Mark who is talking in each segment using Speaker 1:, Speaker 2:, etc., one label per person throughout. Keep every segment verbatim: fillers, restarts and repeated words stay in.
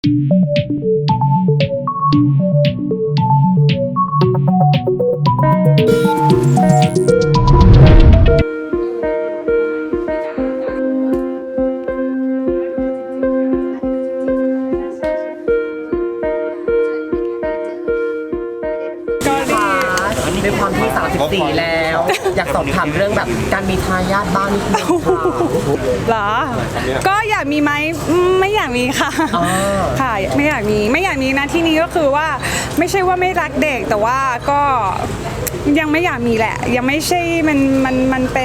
Speaker 1: ด้วยความที่สามสิบสี่แล้วอยากสอบถามเรื่องแบบการมีทายาทบ้างนิดนึง
Speaker 2: เหรอก็อยากมีไหมไม่อยากมีค่ะค่ะไม่อยากมีไม่อยากมีนะที่นี้ก็คือว่าไม่ใช่ว่าไม่รักเด็กแต่ว่าก็ยังไม่อยากมีแหละยังไม่ใช่มันมันมันเป็น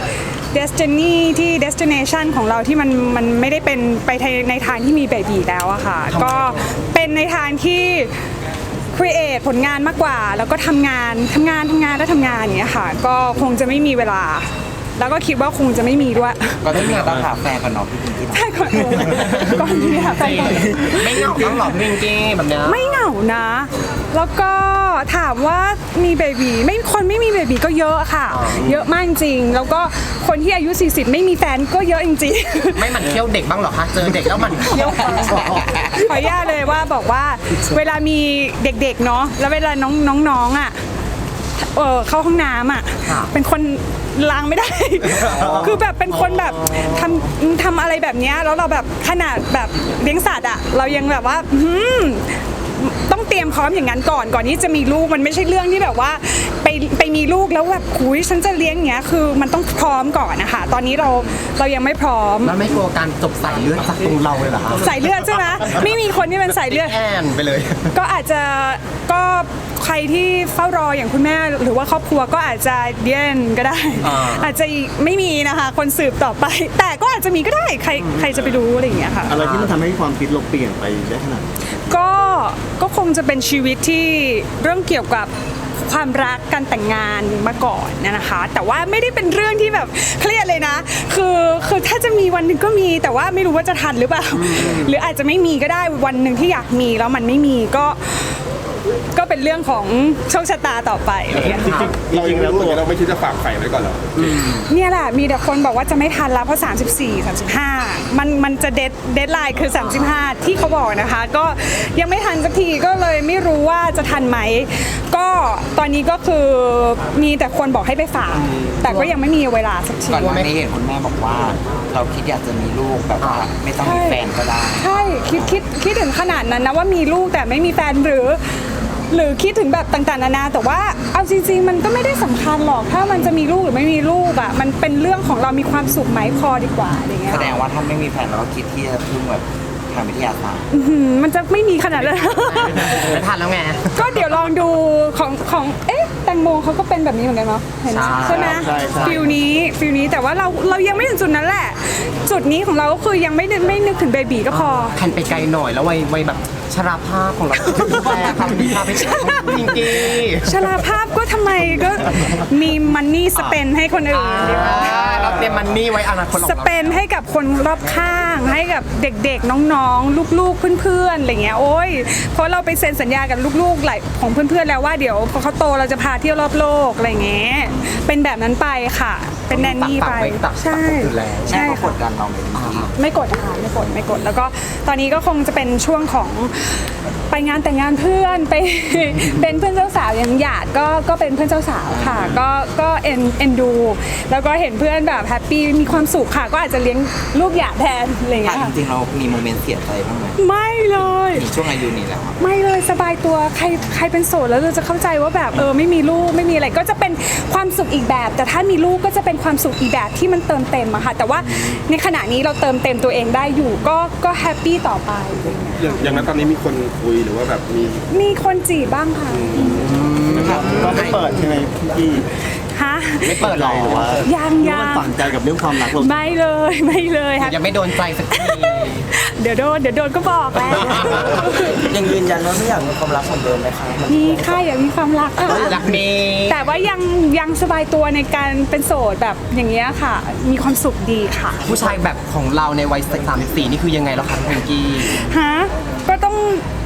Speaker 2: destiny ที่ destination ของเราที่มันมันไม่ได้เป็นไปในทางที่มีเบบีแล้วอะค่ะก็เป็นในทางที่create ผลงานมากกว่าแล้วก็ทำงานทำงานทำงานแล้วทำงานอย่างเงี้ยค่ะก็คงจะไม่มีเวลาแล้วก็คิดว่าคงจะไม่มีด้วย
Speaker 3: ก็ต้องมีต้องหาแฟนก่อนเนาะพี่พิงกี้
Speaker 2: ใช่ก่อนก่อนที่หาแฟน
Speaker 1: ไม่เหงาต้องหลอกพิงกี้แบบนี้
Speaker 2: ไม่เหงานะแล้วก็ถามว่ามีเบบีไม่คนไม่มีเบบีก็เยอะค่ะเยอะมากจริงแล้วก็คนที่อายุสี่สิบไม่มีแฟนก็เยอะจริง
Speaker 1: ๆไม่หมั่นเที่ยวเด็กบ้างหรอคะเจอเด็กแล้วหมั่นเที่ยวขอ
Speaker 2: อนุญาตเลยว่าบอกว่าเวลามีเด็กๆเนาะแล้วเวลาน้องน้องๆอ่ะเออเข้าห้องน้ำอ่ะเป็นคนล้างไม่ได้คือแบบเป็นคนแบบทำทำอะไรแบบนี้แล้วเราแบบขนาดแบบเลี้ยงสัตว์อ่ะเรายังแบบว่าต้องเตรียมพร้อมอย่างนั้นก่อนก่อนที่จะมีลูกมันไม่ใช่เรื่องที่แบบว่าไปไปมีลูกแล้วแบบคุยฉันจะเลี้ยงอย่างเงี้ยคือมันต้องพร้อมก่อนนะคะตอนนี้เราเรายังไม่พร้อม
Speaker 1: แล้วไม่กลัวการจบสายเลือดจากตรงเราเลยเหรอคะ
Speaker 2: สายเลือดใช่ไหมไม่มีคนที่เป็นสายเลือด
Speaker 1: แอนไปเลย
Speaker 2: ก็อาจจะก็ใครที่เฝ้ารออย่างคุณแม่หรือว่าครอบครัวก็อาจจะเดียนก็ได้อาจจะไม่มีนะคะคนสืบต่อไปแต่ก็อาจจะมีก็ได้ใครใครจะไปรู้อะไรอย่างเงี้ยค่ะ
Speaker 4: อะไรที่มันทำให้ความคิดเราเปลี่ยนไปได้ขนาด
Speaker 2: ก็ก็คงจะเป็นชีวิตที่เรื่องเกี่ยวกับความรักการแต่งงานมาก่อนนะคะแต่ว่าไม่ได้เป็นเรื่องที่แบบเครียดเลยนะคือคือถ้าจะมีวันหนึ่งก็มีแต่ว่าไม่รู้ว่าจะทันหรือเปล่าหรืออาจจะไม่มีก็ได้วันหนึ่งที่อยากมีแล้วมันไม่มีก็ก็เป็นเรื่องของโชคชะตาต่อไป
Speaker 4: จริงๆเราเองแล้วตัวเราไม่คิดจะฝากไข่ไว้ก่อนหรอ
Speaker 2: เนี่ยแหละมีแต่คนบอกว่าจะไม่ทันแล้วเพราะสามสิบสี่ สามสิบห้ามันมันจะเดดเดดไลน์คือสามสิบห้าที่เขาบอกนะคะก็ยังไม่ทันสักทีก็เลยไม่รู้ว่าจะทันไหมก็ตอนนี้ก็คือมีแต่คนบอกให้ไปฝากแต่ก็ยังไม่มีเวลาสักที
Speaker 3: ก่อนหน้านี้เห็นคุณแม่บอกว่าเราคิดอยากจะมีลูกแบบว่าไม่ต้องมีแฟนก็ได้
Speaker 2: ใช่คิดคิดคิดถึงขนาดนั้นนะว่ามีลูกแต่ไม่มีแฟนหรือหรือคิดถึงแบบต่างๆนานาแต่ว่าเอาจริงๆมันก็ไม่ได้สำคัญหรอกถ้ามันจะมีลูกหรือไม่มีลูกอ่ะมันเป็นเรื่องของเรามีความสุขไหมพอดีกว่าอะไรเงี้ย
Speaker 3: แสดงว่าถ้าไม่มีแฟนเราก็คิดที่จะพึ่งแบบทางวิทยาศาสตร์
Speaker 2: มันจะไม่มีขนาดนั้น
Speaker 1: ไม่ทันแล้วไง
Speaker 2: ก็เดี๋ยวลองดูของของเอ๊ะแตงโมเขาก็เป็นแบบนี้เหมือนกันเนาะเห็นใช่ไหมฟิลนี้ฟิลนี้แต่ว่าเราเรายังไม่ถึงจุดนั้นแหละจุดนี้ของเราก็คือยังไม่ไม่นึกถึงเบบีก็พอ
Speaker 1: ทันไปไกลหน่อยแล้ววัยวัยแบบชราภาพของเราแต่คำนี้พาไปจริงๆ
Speaker 2: ชราภาพก็ทำไมก็มีมันนี่สเปนให้คนอื่น
Speaker 1: เราเตรียมมันนี่ไว้อนาคต
Speaker 2: สเปนให้กับคนรอบข้างให้กับเด็กๆน้องๆลูกๆเพื่อนๆอะไรเงี้ยโอ้ยเพราะเราไปเซ็นสัญญากับลูกๆหลายของเพื่อนๆแล้วว่าเดี๋ยวพอเขาโตเราจะพาเที่ยวรอบโลกอะไรเงี้ยเป็นแบบนั้นไปค่ะเป็นแนนนี่ไปใช่
Speaker 3: ใช่กดดันเรา
Speaker 2: ไม่กดค่ะไม่กดไม่กดแล้วก็ตอนนี้ก็คงจะเป็นช่วงของไปงานแต่งงานเพื่อนไปเป็นเพื่อนเจ้าสาวอย่างหยาดก็ก็เป็นเพื่อนเจ้าสาวค่ะก็ก็เอ็นเอ็นดูแล้วก็เห็นเพื่อนแบบแฮปปี้มีความสุขค่ะก็อาจจะเลี้ยงลูกหยาดแทนอะไรอย่างเงี้ย
Speaker 3: จริงๆเรามีโมเมนต์เสียใจบ้างไหม
Speaker 2: ไม่เลย
Speaker 3: ช่วงอายุนี้แล้ว
Speaker 2: ไม่เลยสบายตัวใครใครเป็นโสดแล้วเราจะเข้าใจว่าแบบเออไม่มีลูกไม่มีอะไรก็จะเป็นความสุขอีกแบบแต่ถ้ามีลูกก็จะเป็นความสุขอีกแบบที่มันเติมเต็มอะค่ะแต่ว่าในขณะนี้เราเติมเต็มตัวเองได้อยู่ก็ก็แฮปปี้ต่อไป
Speaker 4: อย่างนั้นตอนนี้มีคนคุยหรือว่าแบบมี
Speaker 2: มีคนจีบบ้างค่ะ
Speaker 4: ก็ไม่เปิดใช่ไหมพี่
Speaker 2: ฮะ
Speaker 1: ไม่เปิดหรอ
Speaker 2: ยังยัง
Speaker 4: ฝังใจกับเรื่องความรักเรา
Speaker 2: ไม่เลยไม่เลยค่ะ
Speaker 1: ยังไม่โดนใจสักที
Speaker 2: เดี๋ยวโดนเดี๋ยวโดนก็บอกแล้ว
Speaker 3: ยังยืนยันว่าไม่อยากมีความรักเหมือนเดิมไหมคะ
Speaker 2: มีค่ะอยากมีความรัก
Speaker 1: อยากมี
Speaker 2: แต่ว่ายังยังสบายตัวในการเป็นโสดแบบอย่างเงี้ยค่ะมีความสุขดีค่ะ
Speaker 1: ผู้ชายแบบของเราในวัยสามสิบสี่นี่คือยังไงแล้วคะพิงกี้
Speaker 2: ฮะก็ต้อง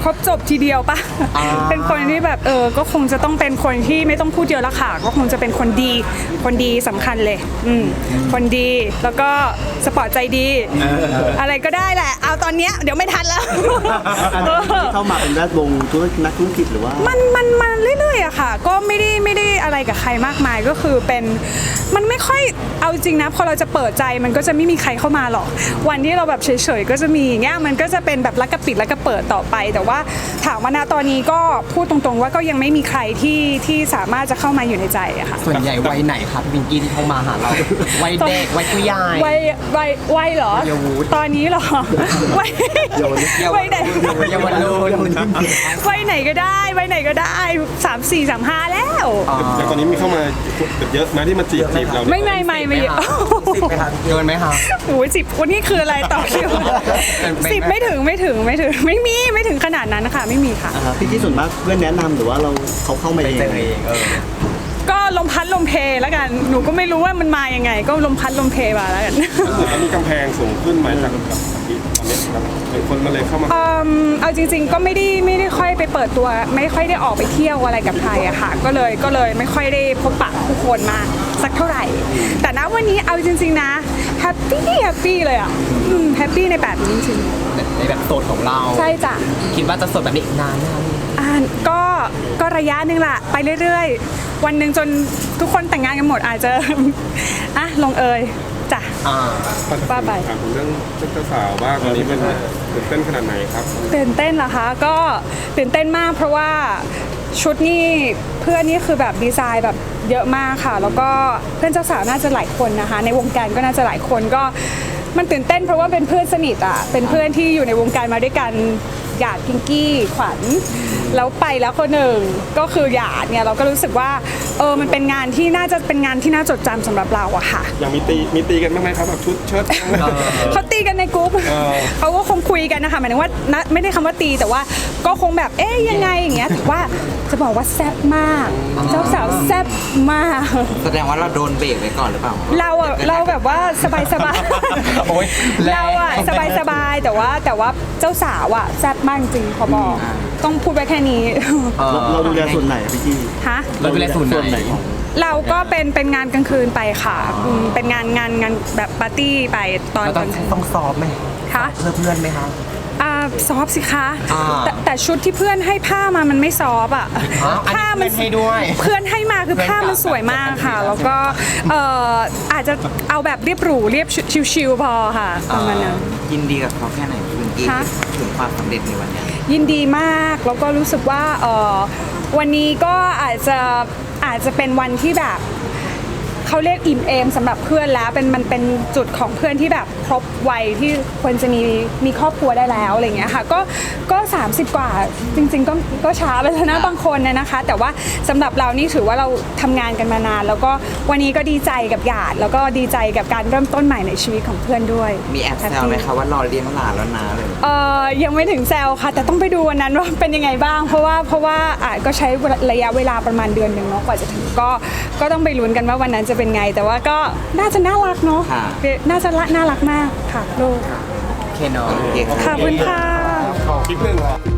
Speaker 2: ครบจบทีเดียวปะ
Speaker 1: อ่า
Speaker 2: เป็นคนที่แบบเออก็คงจะต้องเป็นคนที่ไม่ต้องพูดเยอะละค่ะ ก็คงจะเป็นคนดี คนดีสำคัญเลย อืมคนดีแล้วก็สปอร์ตใจดี อะไรก็ได้แหละ เอาตอนเนี้ยเดี๋ยวไม่ทันแล้ว
Speaker 4: อันนี้เข้ามาเป็นแวดวงธุรกิจนักธุรกิจหรือว่า
Speaker 2: มันมันมันเรื่อยๆอะค่ะ ก็ไม่ได้ไม่ได้อะไรกับใครมากมายก็คือเป็นมันไม่ค่อยเอาจริงนะพอเราจะเปิดใจมันก็จะไม่มีใครเข้ามาหรอกวันที่เราแบบเฉยๆก็จะมีอย่างเงี้ยมันก็จะเป็นแบบลักกระปิดลักกระเปิดต่อไป แต่ว่าถามว่าณตอนนี้ก็พูดตรงๆว่าก็ยังไม่มีใครที่ที่สามารถจะเข้ามาอยู่ในใจอะค่ะ
Speaker 1: ส่วนใหญ่วัยไหนครับวิงกี้ที่เข้ามาหาเราวัยเด็กวัยผู้ใหญ่
Speaker 2: วัยวัยวัยเหรอ
Speaker 1: เยาวุธ
Speaker 2: ตอนนี้เหรอวัยวัยไหน
Speaker 1: เยาวรุ่น
Speaker 2: วัยไหนก็ได้วัยไหนก็ได้สามสี่สามห้าแล้ว
Speaker 4: แล้วตอนนี้มีเข้ามาเยอะไหมที่มาจีบจีบเราเนี่ย
Speaker 2: ไม่ไม่ไม่ไม่
Speaker 1: สิบไหมครับเกินไหมครับ
Speaker 2: โอ้ยสิบวันนี้คืออะไรต่อคิว
Speaker 1: ไม่
Speaker 2: สิบไม่ถึงไม่ถึงไม่ถึงไม่มีไม่ถึงขนาดนั้นค่ะไม่มีค่ะ
Speaker 4: อ่าพี่ที่ส่วนมากเพื่อนแนะนำหรือว่าเราเขาเข้ามา
Speaker 1: ไป
Speaker 4: เอง
Speaker 1: เจอเองเออ
Speaker 2: ก็ลมพัดลมเพแล้วกันหนูก็ไม่รู้ว่ามันมายังไง ก็ลมพัดลมเพมาแล้วกัน
Speaker 4: แล้วมีกำแพงสูงขึ้นไหมจากแบบที่ตอนนี้แบบเป็นคนมาเลยเข้ามา
Speaker 2: เอิ่มเอาจริง ๆ ก็ไม่ได้ไม่ได้ค่อยไปเปิดตัว ไม่ค่อยได้ออกไปเที่ยวอะไรกับใครอะค่ะ ก็เลยก็เลยไม่ค่อยได้พบปะผู้คนมากสักเท่าไหร่ แต่ณวันนี้เอาจริง ๆ นะแฮปปี้แฮปปี้เลยอะแฮปปี้ในแบบนี้จริง
Speaker 1: ในแบบโสดของเรา
Speaker 2: ๆใช่จ้ะ
Speaker 1: คิดว่าจะโสดแบบนี้อีกนานไหมครับ
Speaker 2: อ่าก็ก็ระยะหนึ่งละไปเรื่อยๆ วันหนึ่งจนทุกคนแต่งงานกันหมดอาจจะ อ่ะลงเอยจ้ะ
Speaker 1: อ่า
Speaker 2: ว่าไป
Speaker 4: ถามถึงเรื่องเจ้าสาวบ้างตอนนี้เป็นตื่นเต้นขนาดไหนครับ
Speaker 2: ตื่นเต้นเหรอคะก็ตื่นเต้นมากเพราะว่าชุดนี่เพื่อนนี่คือแบบดีไซน์แบบเยอะมากค่ะ แล้วก็เพื่อนเจ้าสาวน่าจะหลายคนนะคะ ในวงการก็น่าจะหลายคนก็มันตื่นเต้นเพราะว่าเป็นเพื่อนสนิทอ่ะเป็นเพื่อนที่อยู่ในวงการมาด้วยกันหยาดพิงกี้ขวัญแล้วไปแล้วคนหนึ่งก็คือหยาดเนี่ยเราก็รู้สึกว่าเออมันเป็นงานที่น่าจะเป็นงานที่น่าจดจำสำหรับเราอะค่ะ
Speaker 4: ยังมีตีมีตีกันบ้างไหมครับแบบชุดเชิ้ต
Speaker 2: เขาตีกันในกรุ๊ป
Speaker 4: เออ
Speaker 2: เขาก็คงคุยกันนะคะหมายถึงว่านะไม่ได้คำว่าตีแต่ว่าก็คงแบบเอ๊ยยังไงอย่างเงี้ยถือว่าจะบอกว่าแซ่บมากเจ้าสาวแซ่บมาก
Speaker 3: แสดงว่าเราโดนเบรกไว้ก่อนหรือเปล่า
Speaker 2: เราอะเราแบบว่าสบายสบาย
Speaker 1: โอ๊ยแรง
Speaker 2: เราอะสบายสบายแต่ว่าแต่ว่าเจ้าสาวอะแซ่บมากจริงขอบอกต้องพูดไว้แค่นี้
Speaker 1: เออ
Speaker 4: เราดูแลส่วนไหนอะพี่กี้
Speaker 2: ฮะ
Speaker 1: เราดูแลส่วนไหน
Speaker 4: ของ
Speaker 2: เราก็เป็นเป็นงานกลางคืนไปค่ะอืมเป็นงานงานงานแบบปาร์ตี้ไปตอน
Speaker 1: เรา
Speaker 2: ก
Speaker 1: ต้อ
Speaker 2: ลาง งคืน
Speaker 1: ต้องซอฟต์ไหม
Speaker 2: คะ
Speaker 1: เพื่อเพื่อนไหมคะ
Speaker 2: อ่าซอฟต์สิคะ
Speaker 1: อ่า
Speaker 2: แต่แต่ชุดที่เพื่อนให้ผ้ามามันไม่ซอฟต์อ่ะ
Speaker 1: อ๋ออันนี้
Speaker 2: ผ้ามั
Speaker 1: เพื่อนให้ด้วย
Speaker 2: เพื่อนให้มาคือผ้ามันสวยมากค่ะ แล้วก็เอ่ออาจจะเอาแบบเรียบหรูเรียบชิวๆพอค่ะประมาณนั้น
Speaker 3: ยินดีกับเขาแค่ไหนคุณกี้
Speaker 2: คะ
Speaker 3: ถึงความสำเร็จในวันเนี้ย
Speaker 2: ยินดีมากแล้วก็รู้สึกว่าเอ่อวันนี้ก็อาจจะอาจจะเป็นวันที่แบบเขาเรียกอิ่มเอมสำหรับเพื่อนแล้วเป็นมันเป็นจุดของเพื่อนที่แบบครบวัยที่ควรจะมีมีครอบครัวได้แล้วอะไรอย่างเงี้ยค่ะก็ก็สามสิบกว่าจริง ๆ ก็ก็ช้าไปแล้วนะบางคนนะนะคะ แต่ว่าสำหรับเรานี่ถือว่าเราทำงานกันมานาน แล้วก็วันนี้ก็ดีใจกับหยาดแล้วก็ดีใจกับการเริ่มต้นใหม่ในชีวิตของเพื่อนด้วย
Speaker 3: มีแอบแซวไหมคะว่ารอเลี้ยงหลานแล้วนะเลย
Speaker 2: เอ่อยังไม่ถึงแซวค่ะ แต่ต้องไปดูวันนั้นว่าเป็นยังไงบ้าง เพราะว่าเพราะว่าอาจก็ใช้ระยะเวลาประมาณเดือนหนึ่งเนาะกว่าจะถึงก็ก็ต้องไปลุ้นกันว่าวันนั้นจะเป็นไง แต่ว่าก็น่าจะน่ารักเนาะ
Speaker 3: ค่ะ
Speaker 2: น่าจะน่ารักมากค่ะลูก
Speaker 1: โอเคเนาะ
Speaker 3: โอเค
Speaker 2: ขอบคุณค่ะ
Speaker 4: ขอคลิปหนึ่ง